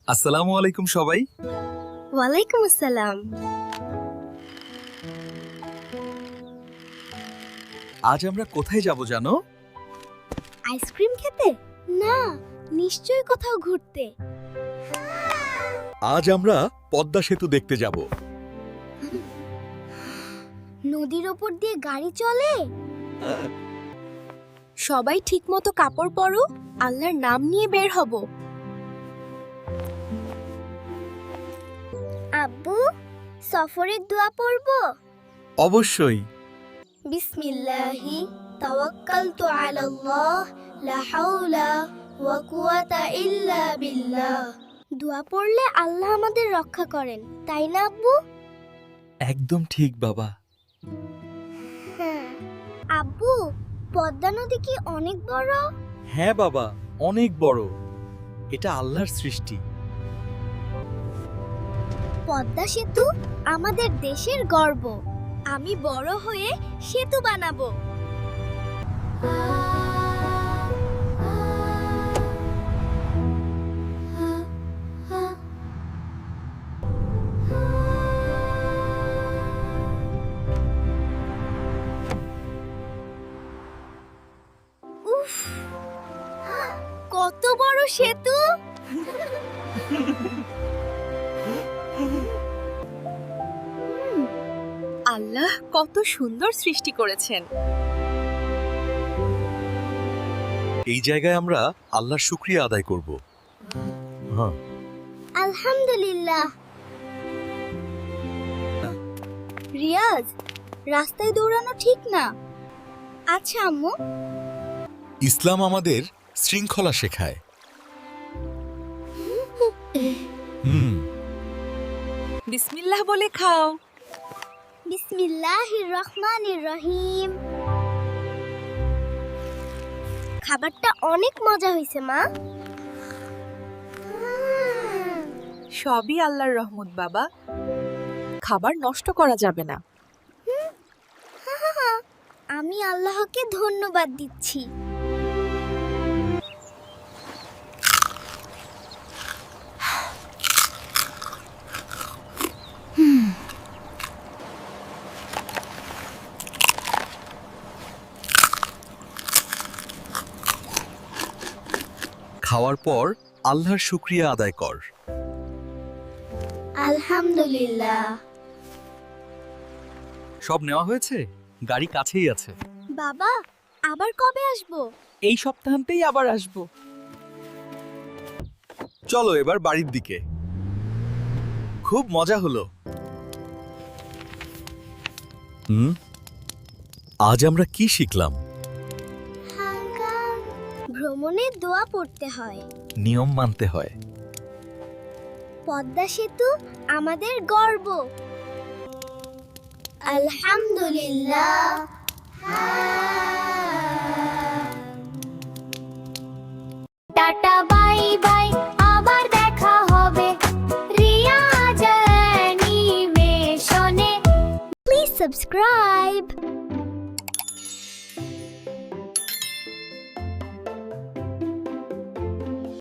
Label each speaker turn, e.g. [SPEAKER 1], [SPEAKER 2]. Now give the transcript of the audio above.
[SPEAKER 1] আসসালামু আলাইকুম সবাই।
[SPEAKER 2] ওয়ালাইকুম আসসালাম।
[SPEAKER 1] আজ আমরা কোথায় যাব জানো?
[SPEAKER 2] আইসক্রিম খেতে? না, নিশ্চয়ই কোথাও ঘুরতে।
[SPEAKER 1] আজ আমরা পদ্মা সেতু দেখতে যাব।
[SPEAKER 2] নদীর ওপর দিয়ে গাড়ি চলে। সবাই ঠিকমতো কাপড় পরো, আল্লাহর নাম নিয়ে বের হব। আব্বু, সফরের দোয়া পড়ব?
[SPEAKER 1] অবশ্যই।
[SPEAKER 2] বিসমিল্লাহি তাওয়াক্কালতু আলাল্লাহ লা হাওলা ওয়া কুওয়াতা ইল্লা বিল্লাহ। দোয়া পড়লে আল্লাহ আমাদের রক্ষা করেন, তাই না আব্বু?
[SPEAKER 1] একদম ঠিক বাবা।
[SPEAKER 2] হ্যাঁ। আব্বু, পদ্মা নদী কি অনেক বড়?
[SPEAKER 1] হ্যাঁ বাবা, অনেক বড়। এটা আল্লাহর সৃষ্টি।
[SPEAKER 2] পদ্মা সেতু আমাদের দেশের গর্ব। আমি বড় হয়ে সেতু বানাবো। উফ, কত বড় সেতু!
[SPEAKER 3] আল্লাহ কত সুন্দর সৃষ্টি করেছেন।
[SPEAKER 1] এই জায়গায় আমরা আল্লাহর শুকরিয়া আদায় করব। হ্যাঁ।
[SPEAKER 2] আলহামদুলিল্লাহ। রিয়াজ, রাস্তায় দৌড়ানো ঠিক না। আচ্ছা আম্মু।
[SPEAKER 1] ইসলাম আমাদের শৃঙ্খলা শেখায়।
[SPEAKER 3] বিসমিল্লাহ বলে খাও।
[SPEAKER 2] বিসমিল্লাহির রহমানির রহিম। খাবারটা অনেক মজা হয়েছে মা।
[SPEAKER 3] সবই আল্লাহর রহমত বাবা, খাবার নষ্ট করা যাবে না।
[SPEAKER 2] আমি আল্লাহকে ধন্যবাদ দিচ্ছি।
[SPEAKER 1] খাওয়ার পর আল্লাহর শুকরিয়া আদায় কর।
[SPEAKER 2] আলহামদুলিল্লাহ।
[SPEAKER 1] সব নেওয়া হয়েছে, গাড়ি কাছেই আছে।
[SPEAKER 2] বাবা, আবার কবে আসবো?
[SPEAKER 3] এই সপ্তাহান্তেই আবার আসবো।
[SPEAKER 1] চলো এবার বাড়ির দিকে। খুব মজা হলো। আজ আমরা কি শিখলাম?
[SPEAKER 2] ভ্রমণে দোয়া পড়তে হয়,
[SPEAKER 1] নিয়ম মানতে হয়।
[SPEAKER 2] পদ্মা সেতু আমাদের গর্ব। আলহামদুলিল্লাহ। টাটা বাই বাই, আবার দেখা হবে রিয়াজ অ্যানিমেশনে। Please subscribe.